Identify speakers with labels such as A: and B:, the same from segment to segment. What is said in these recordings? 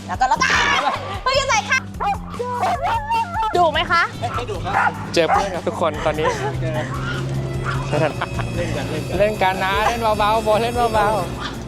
A: แล้วก็เฮ้ยใส่ค่ะดุไหมคะ
B: ไม่ดุครับ
C: เจอเพื่อนครับทุกคนตอนนี้เล่นกันนะเล่นเบาๆโบเล่นเบา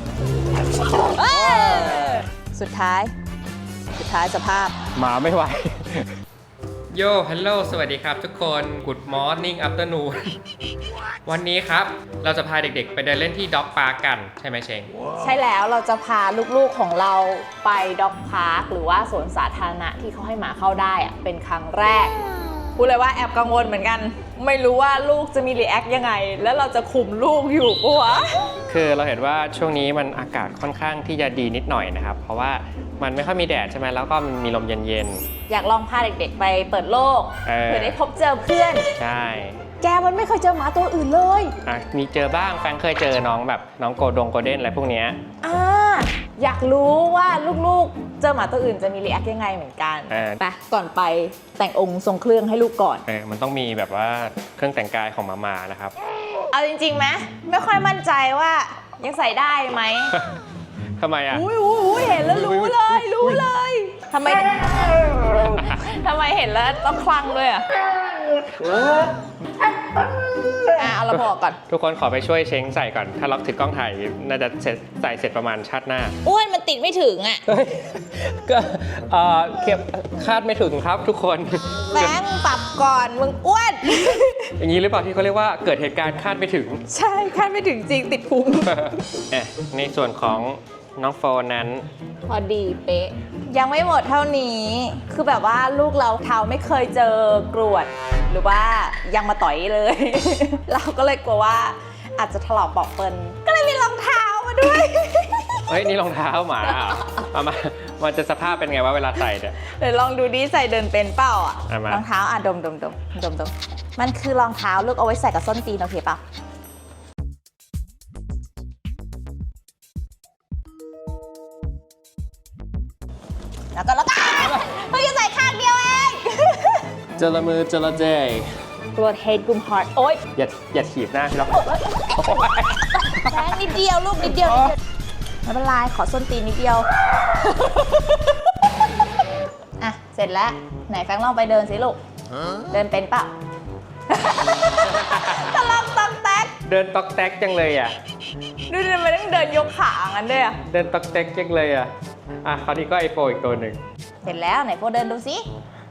A: ๆสุดท้ายสภาพ
C: หมาไม่ไหวโย่ฮัลโหลสวัสดีครับทุกคน Good morning afternoon วันนี้ครับเราจะพาเด็กๆไปเดินเล่นที่ด็อกพาร์คกันใช่ไหมเชง
A: ใช่แล้วเราจะพาลูกๆของเราไปด็อกพาร์คหรือว่าสวนสาธารณะที่เขาให้หมาเข้าได้อะเป็นครั้งแรกพูดเลยว่าแอบกังวลเหมือนกันไม่รู้ว่าลูกจะมีรีแอคยังไงแล้วเราจะคุมลูกอยู่ปะวะ
C: คือเราเห็นว่าช่วงนี้มันอากาศค่อนข้างที่จะดีนิดหน่อยนะครับเพราะว่ามันไม่ค่อยมีแดดใช่ไหมแล้วก็มันมีลมเย็น
A: ๆอยากลองพาเด็กๆไปเปิดโลกเพื่อได้พบเจอเพื่อน
C: ใช่
A: แกมันไม่เคยเจอหมาตัวอื่นเลย
C: มีเจอบ้างแฟนเคยเจอน้องแบบน้องโกเด้นอะไรพวกนี้
A: อยากรู้ว่าลูกๆเจอหมาตัวอื่นจะมีรีแอคยังไงเหมือนกันไปก่อนไปแต่งองค์ทรงเครื่องให้ลูกก่อน
C: มันต้องมีแบบว่าเครื่องแต่งกายของหมาๆนะครับ
A: เอาจริงๆไหมไม่ค่อยมั่นใจว่ายังใส่ได้ไหม
C: ทำไมอ่ะ
A: เห็นแล้วรู้เลยทำไมเห็นแล้วต้องคลั่งด้วยอ่ะเอาเราบอกก่อน
C: ทุกคนขอไปช่วยเช้งใส่ก่อนถ้าล็อกถือกล้องถ่ายน่าจะใส่เสร็จประมาณชาติหน้า
A: อ้วนมันติดไม่ถึงอ่ะ
C: ก็เก็บคาดไม่ถึงครับทุกคน
A: แบงค์ปรับก่อนมึงอ้วน
C: อย่างนี้หรือเปล่าที่เขาเรียกว่าเกิดเหตุการณ์คาดไม่ถึง
A: ใช่คาดไม่ถึงจริงติดพุง
C: ในส่วนของน้องโฟนนั้น
A: พอดีเป๊ะยังไม่หมดเท่านี้คือแบบว่าลูกเราเท้าไม่เคยเจอกรวดหรือว่ายังมาต่อยเลย เราก็เลยกลัวว่าอาจจะถลอกปอกเปิลก็เลยมีรองเท้ามาด้วย
C: เฮ้ยนี่รองเท้าหมามันจะสภาพเป็นไงวะเวลาใส่เนี่ย
A: เดี๋ยวลองดูดิใส่เดินเป็นเปล่าอ่ะรองเท้าดมมันคือรองเท้าลูกเอาไว้ใส่กับส้นตีนโอเคเปล่าแล้วก็เฮ้ยใส่ข้างเดียวเอง
C: เจลมือเจลเจ
A: กรวดเฮดกุมฮาร์ดโอ๊ย
C: อย่าถีบหน้าพี่ล็อก
A: แรงนิดเดียวลูกนิดเดียวไม่เป็นไรขอส้นตีนนิดเดียวอ่ะเสร็จแล้วไหนแฟงลองไปเดินสิลูกเดินเป็นเปล่าตะลอกตอกแตก
C: เดินตอกแตกจังเลยอ่ะ
A: ดูทำไมต้องเดินยกขางั้นด้วยอ่ะ
C: เดินตอกแตกจังเลยอ่ะคราวนี้ก็ไอโฟอีกตัวหนึ่ง
A: เสร็จแล้วไหนโฟเดินดูสิ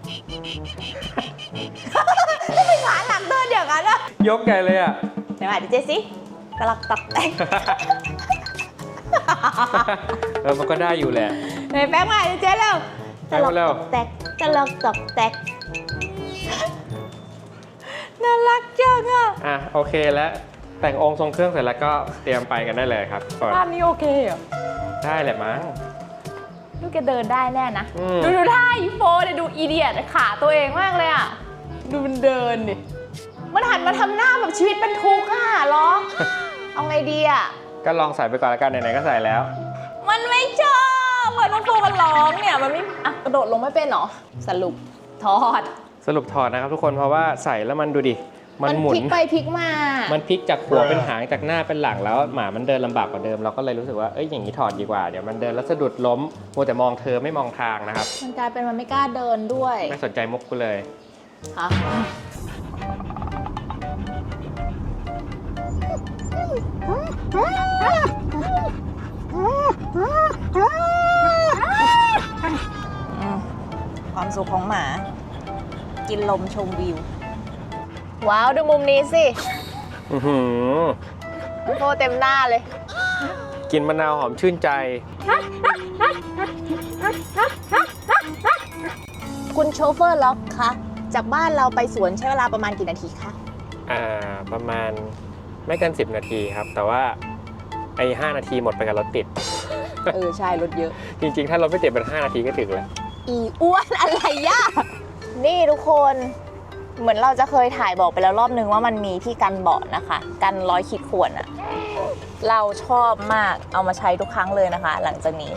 A: ทำไมขาหนักเดินอย่างนั้นอ่ะ
C: ยกใหญ่เลยอ่ะ
A: ไหนมาดิเจสิตะลอกตอกแตก
C: มันก็ได้อยู่แหละ
A: ไหนแป๊บมาดิเจเร็วตะลอกตอกแตกตะลอกตอกแตกน่ารักจัง
C: อ่ะโอเคแล้วแต่งองค์ทรงเครื่องเสร็จแล้วก็เตรียมไปกันได้เลยครับ
A: ภาพนี้โอเคเหรอ
C: ได้แหละมั้ง
A: ลูกแกเดินได้แน่นะดูท่าอีโฟเลยดูอีเดียตขาตัวเองมากเลยอ่ะดูมันเดินดิมันหันมาทำหน้าแบบชีวิตเป็นทุกข์อ่ะล้อเอาไงดีอ่ะ
C: ก็ลองใส่ไปก่อนแล้วกันไหนๆก็ใส่แล้ว
A: มันไม่ชอบเหมือนน้องโฟมันร้องเนี่ยมันไม่กระโดดลงไม่เป็นหรอสรุปถอด
C: นะครับทุกคนเพราะว่าใส่แล้วมันดูดิมันหมุน
A: พลิกไปพลิกมา
C: มันพลิกจากหัวเป็นหางจากหน้าเป็นหลังแล้วหมามันเดินลำบากกว่าเดิมเราก็เลยรู้สึกว่าอย่างนี้ถอดดีกว่าเดี๋ยวมันเดินแล้วสะดุดล้มมัวแต่มองเธอไม่มองทางนะครับ
A: มันกลายเป็นมันไม่กล้าเดินด้วย
C: ไม่สนใจมุกกูเลย
A: ฮะความสุขของหมากินลมชมวิวว้าวดูมุมนี้สิโฟเต็มหน้าเลย
C: กินมะนาวหอมชื่นใจ
A: คุณโชเฟอร์ล็อกคะจากบ้านเราไปสวนใช้เวลาประมาณกี่นาทีคะ
C: ประมาณไม่เกิน10 นาทีครับแต่ว่า5 นาทีหมดไปกับรถติด
A: ใช่รถเยอะ
C: จริงๆถ้ารถไม่ติดเป็น5 นาทีก็ถึงแล้ว
A: อีอ้วนอะไรย่านี่ทุกคนเหมือนเราจะเคยถ่ายบอกไปแล้วรอบนึงว่ามันมีที่กันเบาะนะคะกันรอยขีดข่วนอะเราชอบมากเอามาใช้ทุกครั้งเลยนะคะหลังจากนี้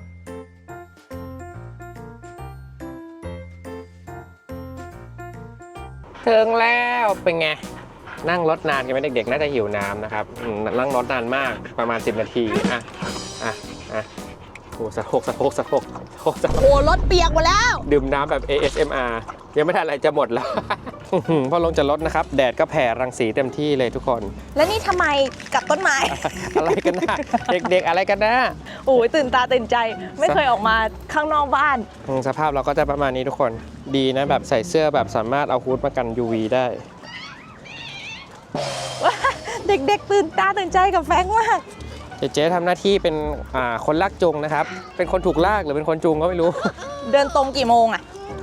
C: ถึงแล้วเป็นไงนั่งรถนานกันไหมเด็กๆน่าจะหิวน้ำนะครับนั่งรถนานมากประมาณ10 นาทีโอ้สะโพก
A: โอ้รถเปียกหมดแล้ว
C: ดื่มน้ำแบบ ASMR ยังไม่ทันอะไรจะหมดแล้ว พอลงจากรถนะครับแดดก็แผ่รังสีเต็มที่เลยทุกคน
A: แล้วนี่ทำไมกับต้นไม้
C: อะไรกันนะเด็กๆอะไรกันนะ
A: โอ้ยตื่นตาตื่นใจไม่เคยออกมาข้างนอกบ้าน
C: สภาพเราก็จะประมาณนี้ทุกคนดีนะแบบใส่เสื้อแบบสามารถเอาฮูดมากัน UV ได้
A: เด็กๆตื่นตาตื่นใจกับแฟรงค์มาก
C: เจ๊ทำหน้าที่เป็นคนลากจูงนะครับ เป็นคนถูกลากหรือเป็นคนจูงก็ไม่รู้
A: เดินตรงกี่โมงอะ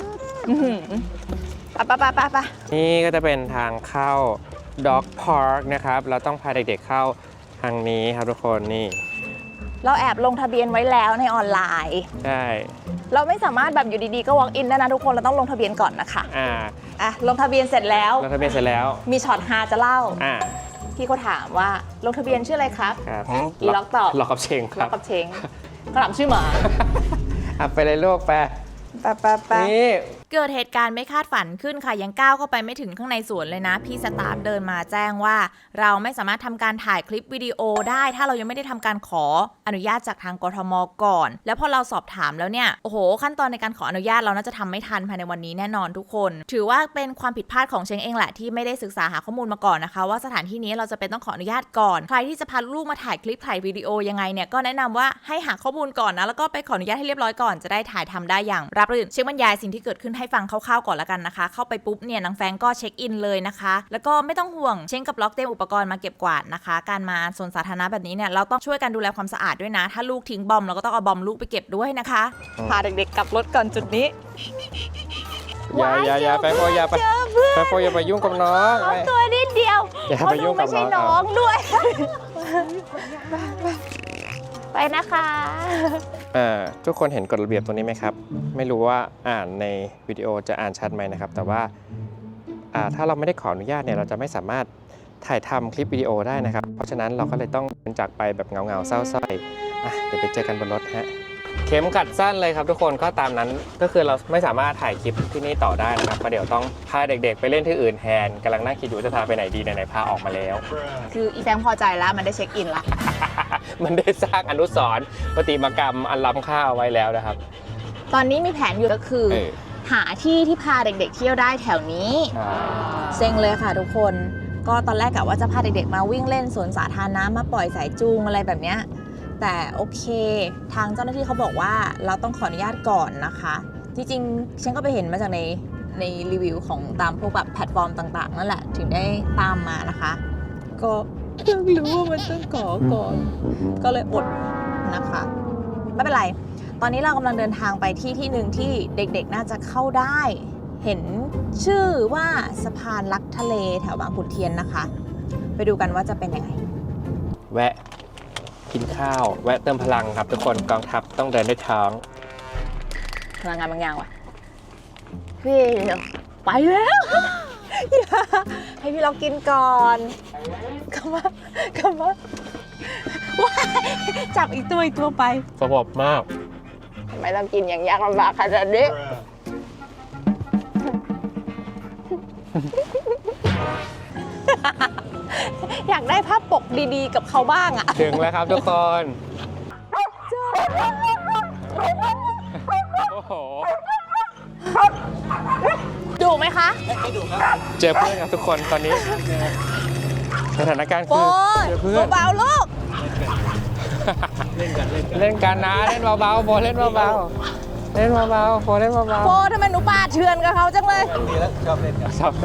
A: ไป
C: นี่ก็จะเป็นทางเข้า Dog Park นะครับ เราต้องพาเด็กๆเข้าทางนี้ครับทุกคนนี่
A: เราแอบลงทะเบียนไว้แล้วในออนไลน์
C: ใช่
A: เราไม่สามารถแบบอยู่ดีๆก็ walk in ได้นะทุกคนเราต้องลงทะเบียนก่อนนะคะลงทะเบียนเสร็จแล้ว
C: ลงทะเบียนเสร็จแล้ว
A: มีช็อตฮาจะเล่า
C: อ่า
A: พี่เขาถามว่าลงทะเบียนชื่ออะไรครับ
C: ครับ
A: อีล็อกตอบ
C: ล็อกกับเชงค
A: ล็
C: รั
A: อบ กกับเชงกระหล่ำชื่อหมา
C: ไปเลยลูกไป
A: ไป
C: นี่
B: เกิดเหตุการณ์ไม่คาดฝันขึ้นค่ะยังก้าวเข้าไปไม่ถึงข้างในสวนเลยนะพี่สตาฟเดินมาแจ้งว่า เราไม่สามารถทำการถ่ายคลิปวิดีโอได้ถ้าเรายังไม่ได้ทำการขออนุญาตจากทางกทมก่อน แล้วพอเราสอบถามแล้วเนี่ยโอ้โหขั้นตอนในการขออนุญาตเราน่าจะทำไม่ทันภายในวันนี้แน่นอนทุกคน ถือว่าเป็นความผิดพลาดของเชงเองแหละที่ไม่ได้ศึกษาหาข้อมูลมาก่อนนะคะว่าสถานที่นี้เราจะเป็นต้องขออนุญาตก่อนใครที่จะพาลูกมาถ่ายคลิปถ่ายวิดีโอยังไงเนี่ยก็แนะนำว่าให้หาข้อมูลก่อนนะแล้วก็ไปขออนุญาตให้เรียบร้อยก่อนจะได้ถ่ายทำได้อย่างราบรื่นเชงบรรยายสิ่งที่เกิดขึ้นให้ฟังคร่าวๆก่อนละกันนะคะเข้าไปปุ๊บเนี่ยนางแฟงก็เช็คอินเลยนะคะแล้วก็ไม่ต้องห่วงเชงกับล็อกเตรียมอุปกรณ์มาเก็บกวาดนะคะการมาสวนสาธารณะแบบนี้เนี่ยเราต้องช่วยกันดูแลความสะอาดด้วยนะถ้าลูกทิ้งบอมเราก็ต้องเอาบอมลูกไปเก็บด้วยนะคะ
A: พาเด็กๆกลับรถก่อนจุดนี้
C: อย่าไปโฟอย่าไปโฟอย่าไปยุ่งกับน้อง
A: ตัวนิดเดียว
C: อย่าไปยุ่งกับ
A: ไม่ใช่
C: น้
A: น้
C: อ
A: อง งด้วย ไปนะคะ
C: ทุกคนเห็นกฎระเบียบตรงนี้ไหมครับ ไม่รู้ว่าอ่านในวิดีโอจะอ่านชัดไหมนะครับ แต่ว่าถ้าเราไม่ได้ขออนุญาตเนี่ยเราจะไม่สามารถถ่ายทำคลิปวิดีโอได้นะครับ เพราะฉะนั้นเราก็เลยต้องเดินจากไปแบบเงาๆเศร้าๆเดี๋ยวไปเจอกันบนรถฮะเข็มขัดสั้นเลยครับทุกคนก็ตามนั้นก็คือเราไม่สามารถถ่ายคลิปที่นี่ต่อได้นะครับเพราะเดี๋ยวต้องพาเด็กๆไปเล่นที่อื่นแทนกำลังนั่งคิดอยู่จะพาไปไหนดีไหนๆพาออกมาแล้ว
A: คืออีแฟงพอใจแล้วมันได้เช็คอินละ
C: มันได้สร้างอนุสรณ์ประติมากรรมอันล้ำค่าเอาไว้แล้วนะครับ
A: ตอนนี้มีแผนอยู่ก็คือ หาที่ที่พาเด็กๆเที่ยวได้แถวนี้เซ็งเลยค่ะทุกคนก็ตอนแรกกะว่าจะพาเด็กๆมาวิ่งเล่นสวนสาธารณะมาปล่อยสายจูงอะไรแบบเนี้ยแต่โอเคทางเจ้าหน้าที่เขาบอกว่าเราต้องขออนุญาตก่อนนะคะจริงๆฉันก็ไปเห็นมาจากในรีวิวของตามพวกแบบแพลตฟอร์มต่างๆนั่นแหละถึงได้ตามมานะคะก็เพิ่งรู้ว่ามันต้องขอก่อนก็เลยอดนะคะไม่เป็นไรตอนนี้เรากำลังเดินทางไปที่หนึ่งที่เด็กๆน่าจะเข้าได้เห็นชื่อว่าสะพานลักทะเลแถวบางขุนเทียนนะคะไปดูกันว่าจะเป็นยังไง
C: แวะกินข้าวแวะเติมพลังครับทุกคนกองทัพต้องเดินด้วยท้อง
A: พลังงานบางอย่างว่ะพี่ไปแล้ว ให้พี่เรากินก่อนกลับมาว้ายจับอีกตัวไป
C: สงบมาก
A: ทำไมต้องกินอย่างยากลำบากขนาดนี้ อยากได้ภาพปกดีๆกับเขาบ้างอะ
C: ถึงแล้วครับทุกคนโอ้โห
A: ดูไหมคะ
C: เจอเพื่อนครับทุกคนตอนนี้สถานการณ์
A: โฟ
C: คือเจอเพื่อน
A: เบาๆลูก
C: เล่นกันนะเล่นเบาๆโฟเล่นเบาๆเล่นเบาๆโฟเล่นเบา
A: โฟทำไมหนูปาดเถื่อนกับเขาจังเลย
C: ๆชอบเล่น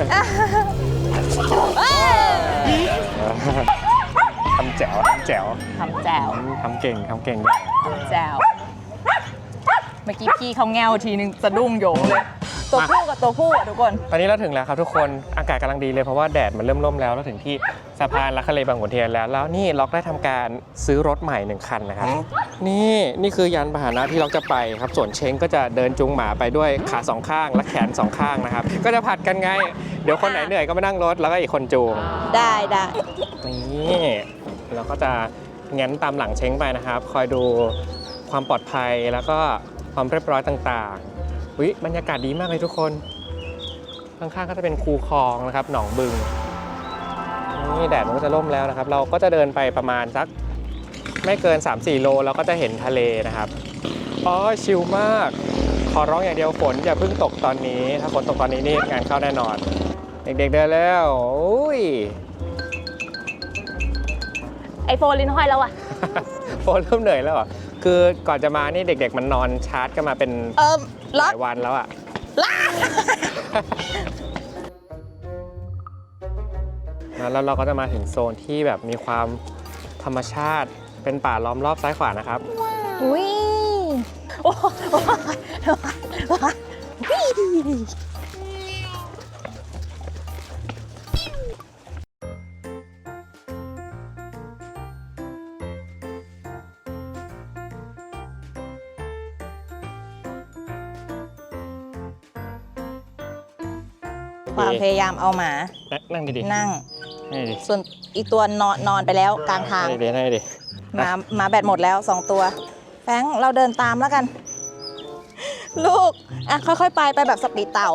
A: เอ้ย
C: ทำแจ๋ว
A: ทำแจว
C: ทำเก่งอย่าง
A: แจวเมื่อกี้พี่เขาแงวทีนึงสะดุ้งโยงเลย ตัวผู้กับตัวผู้อะทุกคน
C: ตอนนี้เราถึงแล้วครับทุกคนอากาศกำลังดีเลยเพราะว่าแดดมันเริ่มร่มแล้วเราถึงที่สะพานลักทะเลบางขุนเทียนแล้วนี่ล็อกได้ทำการซื้อรถใหม่1คันนะครับนี่คือยานพาหนะที่ล็อกจะไปครับส่วนเช้งก็จะเดินจูงหมาไปด้วยขา2ข้างและแขน2ข้างนะครับก็จะผัดกันไงเดี๋ยวคนไหนเหนื่อยก็มานั่งรถแล้วก็อีกคนจูง
A: ได้
C: นี่เราก็จะแง้นตามหลังเช้งไปนะครับคอยดูความปลอดภัยแล้วก็ความเรียบร้อยต่างๆบรรยากาศดีมากเลยทุกคนข้างๆก็จะเป็นคูคลองนะครับหนองบึงนี่แดดมันก็จะร่มแล้วนะครับเราก็จะเดินไปประมาณสักไม่เกิน 3-4 โลเราก็จะเห็นทะเลนะครับอ๋อชิลมาก ขอร้องอย่างเดียวฝนอย่าเพิ่งตกตอนนี้ ถ้าฝนตกตอนนี้นี่งานเข้าแน่นอน เด็กๆเดินแล้วโอ้ย
A: ไอโฟนลิ้นห้อยแล้วอะ
C: โฟนเริ่มเหนื่อยแล้วเหรอคือก่อนจะมานี่เด็กๆมันนอนชาร์จกันมาเป็นห
A: ล็อ
C: ลาก ยวันแล้วอะ แล้วเราก็จะมาถึงโซนที่แบบมีความธรรมชาติเป็นป่าล้อมรอบซ้ายขวานะครับ
A: อุ้ยโอ้โห
B: ความพยายามเอาหมา
C: นั่งดี
B: นั่ง
C: ๆนั่งดี
B: ส่วนอีกตัวนอนไปแล้วกลางทาง
C: ๆนั่งดี
B: หมาแบตหมดแล้ว 2 ตัว แฟรงค์เราเดินตามแล้วกัน ลูก อ่ะ ค่อยๆ ไปแบบสปีดเต่า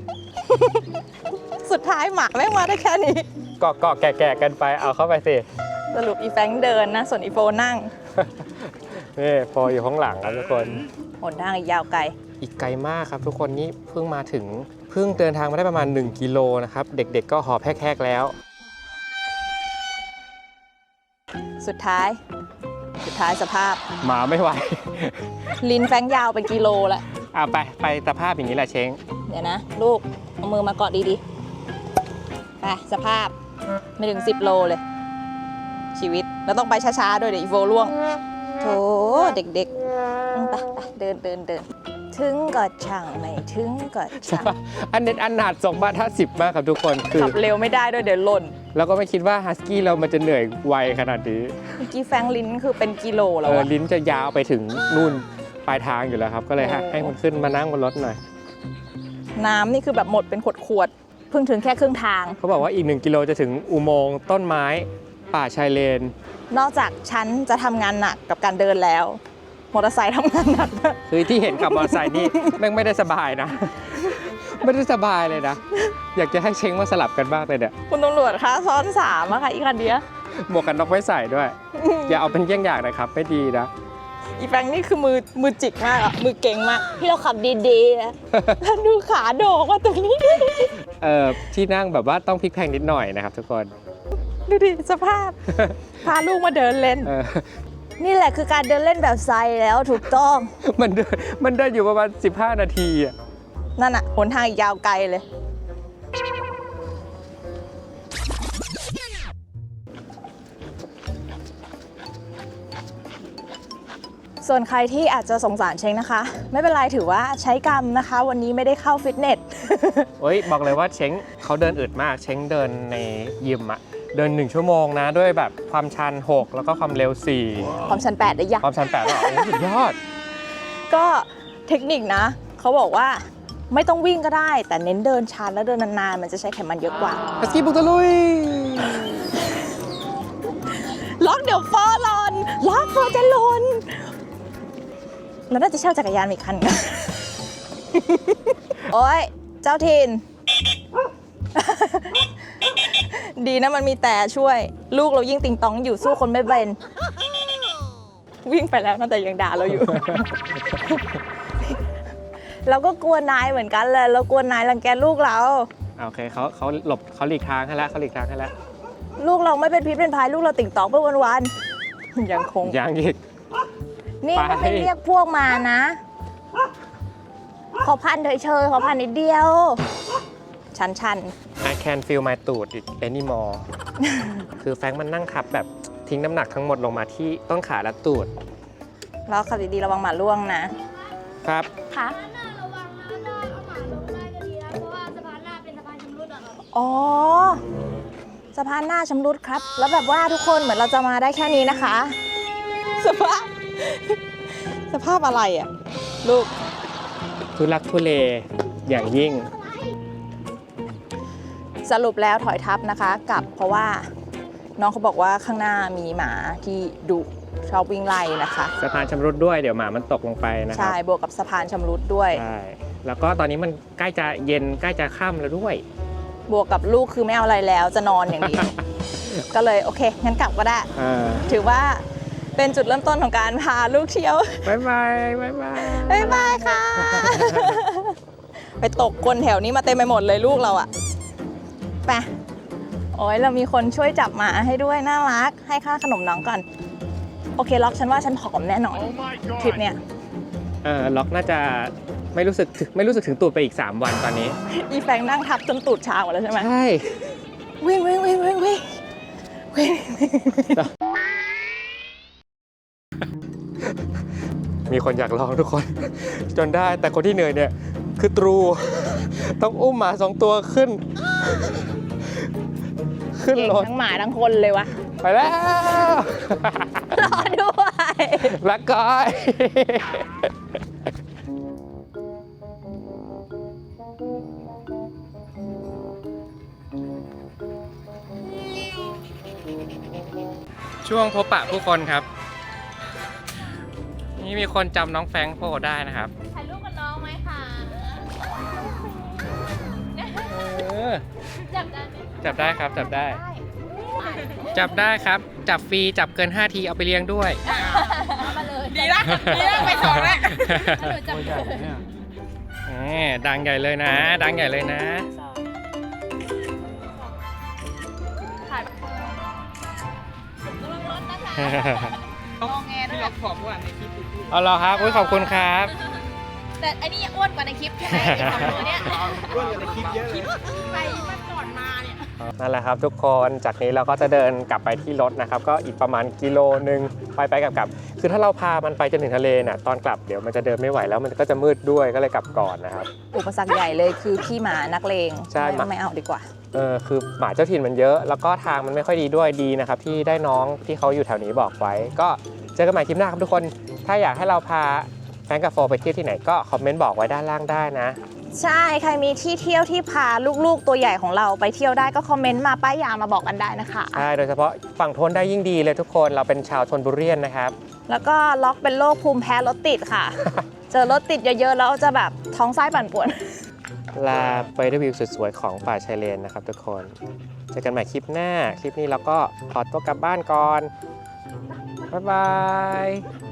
B: สุดท้ายหมาแม่งมาได้แค่นี้
C: ๆเกาะแก่ๆกันไปเอาเข้าไปสิ
B: สรุปอีแฟรงค์เดินนะ ส่วนอีโฟนั่ง
C: นี่พออยู่ข้างหลังครับทุกคน
B: หนทางอีกยาวไกล
C: อีกไกลมากครับทุกคนนี่เพิ่งมาถึงเพิ่งเดินทางมาได้ประมาณ1กิโลนะครับเด็กๆก็หอบแฮกๆแล้ว
B: สุดท้ายสภาพ
C: หมาไม่ไหว
B: ลิ้นแฟรงค์ยาวเป็นกิโลละ
C: ไปสภาพอย่างนี้แหละเช้ง
B: เดี๋ยวนะ ลูก เอามือมาเกาะดีๆ ไปสภาพไม่ถึง 10 โลเลย ชีวิต แล้วต้องไปช้าๆด้วยเดี๋ยวอีโฟล่วงโถเด็กๆไปเดินถึงก็ช่างไม่ถึงก็ช่าง
C: อันเน็ตอันหนาด2 บาท 50 มากครับทุกคนคือ
B: ขับเร็วไม่ได้ด้วยเดี๋ยวหล่น
C: แล้วก็ไม่คิดว่าฮัสกี้เรามันจะเหนื่อยไวขนาดนี้
B: เมื่อกี้แฟรงค์ลิ้นคือเป็นกิโลแล้วอะ
C: ลิ้นจะยาวไปถึงนู่นปลายทางอยู่แล้วครับ ก็เลย
B: โอ้
C: ให้มันขึ้นมานั่งบนรถหน่อย
B: น้ำนี่คือแบบหมดเป็นขวดๆเพิ่งถึงแค่ครึ่งทาง
C: เขาบอกว่าอีก1 กิโลจะถึงอุโมงค์ต้นไม้ป่าชายเลน
B: นอกจากฉันจะทำงานหนักกับการเดินแล้ว มอเตอร์ไซค์ทำงานหนักด้วย
C: คือที่เห็นขับมอเตอร์ไซค์นี่แม่งไม่ได้สบายนะ ไม่ได้สบายเลยนะ อยากจะให้เช้งมาสลับกันบ้างเลยเนี่ย
B: คุณตำรวจคะซ้อน3อะค่ะอีกคันเดียว
C: หมวกกันน็อกไม่ใส่ด้วย อย่าเอาเป็นเยี่ยงอย่างนะครับ ไม่ดีนะ
B: อีแฟรงค์นี่คือมือจิกมากอะมือเก่งมากพี่เราขับดีๆนะแล้วดูขาโดกว่าตรงนี้
C: ที่นั่งแบบว่าต้องพลิกแพลงนิดหน่อยนะครับทุกคน
B: ดูดิสภาพ พาลูกมาเดินเล่น นี่แหละคือการเดินเล่นแบบไซแล้วถูกต้อง
C: มันเดินอยู่ประมาณ15 นาทีอ่ะ
B: นั่นอะหนทางอีกยาวไกลเลย ส่วนใครที่อาจจะสงสารเช้งนะคะ ไม่เป็นไรถือว่าใช้กรรมนะคะ วันนี้ไม่ได้เข้าฟิตเนส
C: เฮ้ยบอกเลยว่าเช้งเขาเดินอึดมาก เช้งเดินในยิมอ่ะ เดิน1 ชั่วโมงนะด้วยแบบความชัน 6 แล้วก็ความเร็ว
B: ความชัน8ได้ยาก
C: 4 ความชัน 8หรอโอ้สุดยอด
B: ก็เทคนิคนะ เขาบอกว่าไม่ต้องวิ่งก็ได้ แต่เน้นเดินชันแล้วเดินนานๆ มันจะใช้ไขมันเยอะกว่า
C: ฮัสกี้บุกตะลุย
B: ล็อกเดี๋ยวฟอร์หลอนล็อกฟอร์จะหล่นเราน่าจะเช่าจักรยานอีกคันกัน โอ้ยเจ้าถิ่น ดีนะมันมีแต่ช่วย ลูกเรายิ่งติงตองอยู่สู้คนไม่เป็น วิ่งไปแล้วนะแต่ยังด่าเราอยู่ เราก็กลัวนายเหมือนกันเลยเรากลัวนายรังแกลูกเรา
C: โอเคเขาหลบเขาหลีกทางให้แล้วเขาหลีกทางให้แล้ว
B: ลูกเราไม่เป็นพิษเป็นภัยลูกเราติ่งตองไปวันๆ ยังคง
C: ยังอีก
B: นี่
C: ไป
B: ก็ไม่เรียกพวกมานะ ขอพันเฉยๆขอพันนิดเดียว ชัน
C: I can feel my ตูด anymore คือแฟรงค์มันนั่งทับแบบทิ้งน้ำหนักทั้งหมดลงมาที่ต้นขาและตูด
B: ๆแล้วขับดีๆระวังหมาล่วงนะ
C: ครับ
B: ค่ะ
D: ระวังนะถ้าเอาหมาลงได้ก็ดีนะ เพราะว่าสะพานหน้าเป็นสะพานชำรุดอะครับ
B: อ๋อสะพานหน้าชำรุดครับ แล้วแบบว่าทุกคนเหมือนเราจะมาได้แค่นี้นะคะ สภาพ สภาพอะไรอ่ะ ลูก
C: ทุลักทุเลอย่างยิ่ง
B: สรุปแล้วถอยทับนะคะกลับเพราะว่าน้องเขาบอกว่าข้างหน้ามีหมาที่ดุชอบวิ่งไล่นะคะ
C: สะพานชำรุดด้วยเดี๋ยวหมามันตกลงไปนะครั
B: ใช่บวกกับสะพานชำรุดด้วย
C: ใช่แล้วก็ตอนนี้มันใกล้จะเย็นใกล้จะค่ำแล้วด้วย
B: บวกกับลูกคือไม่เอาอะไรแล้วจะนอนอย่างเดียว ก็เลยโอเคงั้นกลับก็ได้
C: อ่า
B: ถือว่า
A: เป็นจุดเริ่มต้นของการพาลูกเที่ยว
C: บ๊ายบายบ๊ายบาย
A: บ๊ายบายค่ะ ไปตกคนแถวนี้มาเต็มไปหมดเลยลูกเราอะไปโอ้ยเรามีคนช่วยจับหมาให้ด้วยน่ารัก ให้ค่าขนมน้องก่อน โอเคล็อกฉันว่าฉันผอมแน่นอนทริปเนี้ย
C: ล็อกน่าจะไม่รู้สึกถึงตูดไปอีก 3 วันตอนนี้
A: อีแฟงนั่งทับจนตูดชาหมดแล้วใช่ไหม
C: ใช่
A: วิ่งวิ่งวิ่งวิ่งวิ่งวิ่ง
C: มีคนอยากลองทุกคน จนได้แต่คนที่เหนื่อยเนี่ยคือตรู ต้องอุ้มหมา2 ตัวขึ้น ขึ้น
A: เก่ง
C: รถ
A: ทั้งหมาทั้งคนเลยวะ
C: ไปแล้ว
A: รอด้วย
C: รักก้อย ช่วงพบปะผู้คนครับ นี่มีคนจำน้องแฟรงค์โพได้นะครับ
A: ถ่ายรูปกับน้องไหมคะ จับได้ไหม
C: จับได้ครับจับได้ จับได้ครับ จับฟรีจับเกิน5 ทีเอาไปเลี้ยงด้วย
A: มาเลย
B: ดีนะไปสองแล้ว
A: หนูจับเลย
C: ดังใหญ่เลยนะ ดังใหญ่เลยนะ
A: ถ่ายระวังรถนะคะงอแงด้วย
C: เอาเหรอครับอุ๊ยขอบคุณครับ
A: แต่อันนี้อ้วนกว่าในคลิปใช่ไหมอีกสองตัวเนี้ย
E: อ้วนกว่าในคลิปเยอะเลย
A: ไปมันก่อนมาเนี่ย
C: นั่นแหละครับทุกคนจากนี้เราก็จะเดินกลับไปที่รถนะครับ ก็อีกประมาณกิโลนึงไปกลับคือถ้าเราพามันไปจนถึงทะเลน่ะตอนกลับเดี๋ยวมันจะเดินไม่ไหวแล้วมันก็จะมืดด้วยก็เลยกลับก่อนนะครับ
A: อุปสรรคใหญ่เลยคือพี่หมานักเลง
C: ใช่หมา
A: ไม่เอาดีกว่า
C: คือหมาเจ้าถิ่นมันเยอะ แล้วก็ทางมันไม่ค่อยดีด้วยดีนะครับที่ได้น้องที่เขาอยู่แถวนี้บอกไว้ ก็เจอกันใหม่คลิปหน้าครับทุกคนถ้าอยากให้เราพาแฟนกับโฟไปเที่ยวที่ไหนก็คอมเมนต์บอกไว้ด้านล่างได้นะ
A: ใช่ใครมีที่เที่ยวที่พาลูกๆตัวใหญ่ของเราไปเที่ยวได้ก็คอมเมนต์มาป้ายยามาบอกกันได้นะคะ
C: ใช่โดยเฉพาะฝั่งทนได้ยิ่งดีเลยทุกคนเราเป็นชาวชลบุรีนะครับ
A: แล้วก็ล็อกเป็นโรคภูมิแพ้รถติดค่ะ เจอรถติดเยอะๆแล้วจะแบบท้องไส้ปั่นป่วน
C: ลาไปด้วยวิวสวยๆของป่าชายเลนนะครับทุกคนเจอกันใหม่คลิปหน้าคลิปนี้เราก็ขอตัวกลับบ้านก่อนบ๊ายบาย